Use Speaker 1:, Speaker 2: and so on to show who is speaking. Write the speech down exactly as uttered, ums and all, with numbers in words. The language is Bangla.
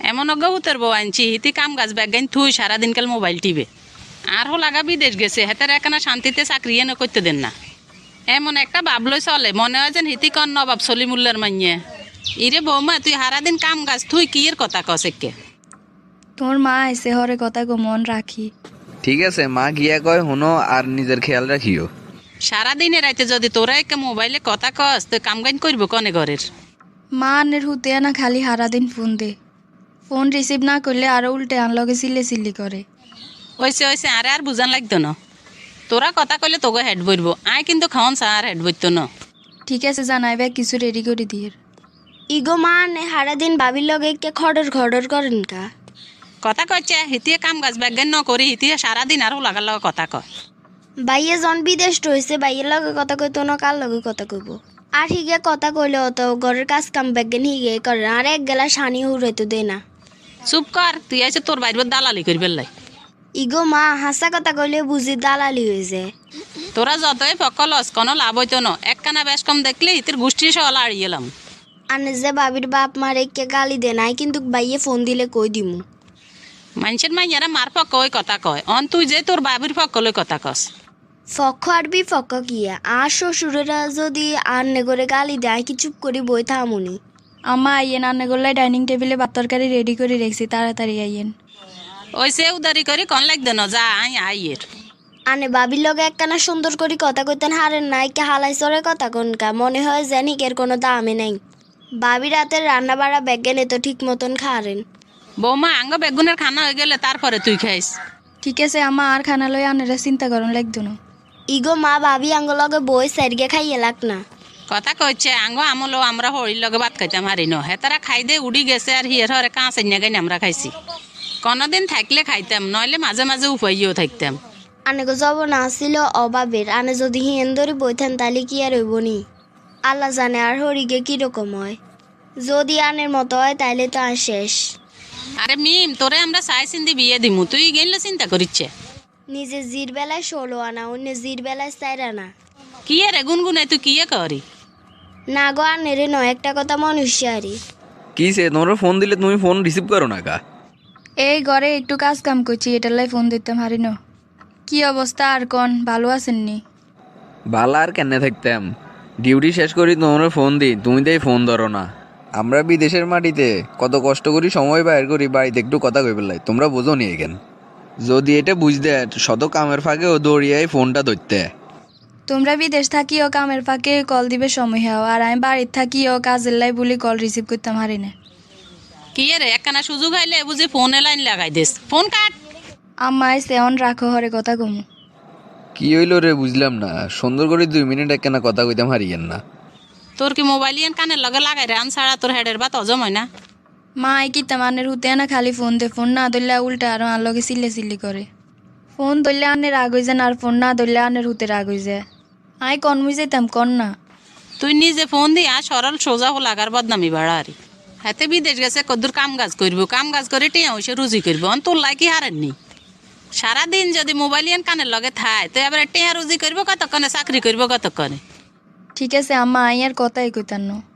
Speaker 1: এমন অজ্ঞাহুতের বউ আনছি হিতি কাম গাছ ব্যাগাইন থুই সারাদিনকাল মোবাইল টিপে আর হো লাগা বিদেশ গেছে হেতার একখানা শান্তিতে চাকরি এনে করতে দেন না। এমন একটা ভাবলই চলে মনে হয় যেন হিতি কন নবাব সলিমুল্লার মাইয়ে। ইরে বৌমা তুই সারাদিন কাম গাছ থুই কি এর কথা কসেকে।
Speaker 2: তোর মা এসে হরে কথা গো মন রাখি।
Speaker 3: ঠিক আছে মা গিয়া কয় হুনো আর নিজের খেয়াল রাখিও।
Speaker 1: সারাদিনে রাইতে যদি তোরা একে মোবাইলে কথা কস তুই কাম গাইন করব কনে ঘরের।
Speaker 2: মা আনের হুতে না খালি সারাদিন ফোন দে, ফোন রিসিভ না করলে আরো উল্টে আনলগে সিলে সিলি করে।
Speaker 1: ওইসে ওইসে আরে আর বুঝান লাগতো না, তোরা কথা কইলে তোকে হেড বইব আয় কিন্তু খাওয়ান চা আর হেড বইতো না।
Speaker 2: ঠিক আছে জানাইবে কিছু রেডি করে দিয়ে।
Speaker 4: ইগো মা নে সারাদিন বাবির লগে কে খডর খডর করেন কা
Speaker 1: কথা কচ্ছে হিতিয়ে কাম গাছ ব্যাজ্ঞান ন করি হিতিয়ে সারাদিন আরও লাগার লগে কথা কয়।
Speaker 4: বাইয়ে জন বিদেশ রয়েছে বাইয়ের লগে কথা কইতো না কার লগে কথা কইব। আর হিগে কথা কইলে অত ঘরের কাজ কাম ব্যাগেন হিগে করে আর এক গেলা সানি হুড়াইতো দে না।
Speaker 1: চুপ কর তুই আইসে তোর বাইর দালালি করি পেলাই।
Speaker 4: ইগো মা হাসা কথা কইলে বুঝি দালালি হয়ে যায়।
Speaker 1: তোরা যতই ফকলস কোনো লাভ হইতো না, একখানা বেশ কম দেখলে হিতির গোষ্ঠী সহ আড়িয়ে এলাম।
Speaker 4: আনে যে বাবির বাপ মারে কে গালি দে নাই কিন্তু বাইয়ে ফোন দিলে কই দিমু।
Speaker 1: মানুষের মাইয়ারা মার পক্ষ ওই কথা কয় অন তুই যে তোর বাবির পক্ষ লই কথা কস।
Speaker 4: ফক্ক আর বি ফক্ক কিয়া আর শ্বশুরেরা যদি আর নেগরে গালি দেয় কি চুপ করি বই থামুনি।
Speaker 2: আমা আইয়েন আন্নে গোল্লাই ডাইনিং টেবিলে ভাত তরকারি রেডি করে রেখেছি, তাড়াতাড়ি আইয়েন।
Speaker 1: ওই সে উদারি করি কন লাগতো না যা আই আইয়ের।
Speaker 4: আনে বাবির লগে একখানা সুন্দর করে কথা কইতেন হারেন নাই কে হালাই চরে কথা কনকা মনে হয় জানি এর কোনো দামে নাই। বাবির রাতের রান্না বাড়া ব্যাগেনে তো ঠিক মতন খারেন।
Speaker 1: বৌমা আঙ্গ বেগুনের খানা হয়ে গেলে তারপরে তুই খাইস।
Speaker 2: ঠিক আছে আমা আর খানা লই আনেরা চিন্তা করুন লাগতো না।
Speaker 4: ইগো মা ভাবি আঙ্গ লগে বই সাইডগে খাইয়ে লাগ না।
Speaker 1: কথা কইছে আঙ্গ আমলো আমরা হরির লগে ভাত খাইতাম হারি ন হেতারা খাই দে উড়ি গেছে আর হিয়ের হরে কাঁচ এনে গাইন আমরা খাইছি। কোনোদিন থাকলে খাইতাম নইলে মাঝে মাঝে উপাইও থাকতাম।
Speaker 4: আনে গো যাব না ছিল অভাবের আনে যদি হিয়েন ধরে বইতেন তাহলে কি আর হইব নি। আল্লাহ জানে আর হরিগে কিরকম হয়, যদি আনের মতো হয় তাইলে তো আর শেষ।
Speaker 1: আরে মিম তোরে আমরা চাই চিন্তি বিয়ে দিমু তুই গেলে চিন্তা করিচ্ছে।
Speaker 4: নিজে জির বেলায় ষোলো আনা অন্য জির বেলায় চার আনা।
Speaker 1: কি রে গুনগুনে তুই কি করি
Speaker 4: না গো আনেরে নয় একটা কথা মনুষ্যারি।
Speaker 3: কি সে তোমরা ফোন দিলে তুমি ফোন রিসিভ করো না কা?
Speaker 2: এই ঘরে একটু কাজ কাম করছি এটার লাই ফোন দিতাম হারি ন। কি অবস্থা আর কন ভালো আছেননি?
Speaker 3: ভালো আর কেন থাকতাম, ডিউটি শেষ করি তোমরা ফোন দিই তুমি তাই ফোন ধরো না। আমরা বিদেশের মাটিতে কত কষ্ট করি সময় বাইর করি বাড়িতে একটু কথা কই পেলাই, তোমরা বোঝো নি এখান। যদি এটা বুঝতে শত কামের ফাঁকে ও দৌড়িয়াই ফোনটা ধরতে।
Speaker 2: তোমরা বিদেশ থাকিও কামের ফাঁকে কল দিবে সময় হাও, আর আমি বাড়ির থাকিও কাজের লাই বলি কল রিসিভ করতাম হারি না।
Speaker 1: কি রে একখানা সুযোগ আইলে বুঝি ফোনে লাইন লাগাই দিস ফোন কাট।
Speaker 2: আম্মাই সেওন রাখো হরে কথা কমু।
Speaker 3: কি হইলো রে বুঝলাম না, সুন্দর করে দুই মিনিট একখানা কথা কইতাম হারিয়েন না।
Speaker 1: তোর কি মোবাইল ইয়ান কানের লগে লাগাই রে আন ছাড়া তোর হেডের বাত হজম হয় না।
Speaker 2: মা আই কি তামানের হুতে না খালি ফোন দে, ফোন না ধরলে উল্টা আরো আর লগে সিলে সিলি করে। ফোন ধরলে আনের রাগ হয়ে যায় আর ফোন না ধরলে আনের হুতে রাগ হয়ে যায়। আই কনমুই যেতাম কন না।
Speaker 1: তুই নিজে ফোন দি আর সরল সোজা হো লাগার বদনামি বাড়া আরি। হাতে বিদেশ গেছে কদ্দুর কাম কাজ করবো কাম কাজ করে টিয়া হইসে রুজি করবো অন তোর লাই কি হারেননি। সারাদিন যদি মোবাইল ইয়ান কানের লগে থায় তো এবার টিয়া রুজি করবো কতক্ষণে চাকরি করবো কতক্ষণে।
Speaker 2: ঠিক আছে আম্মা আই আর কথাই কইতাম না।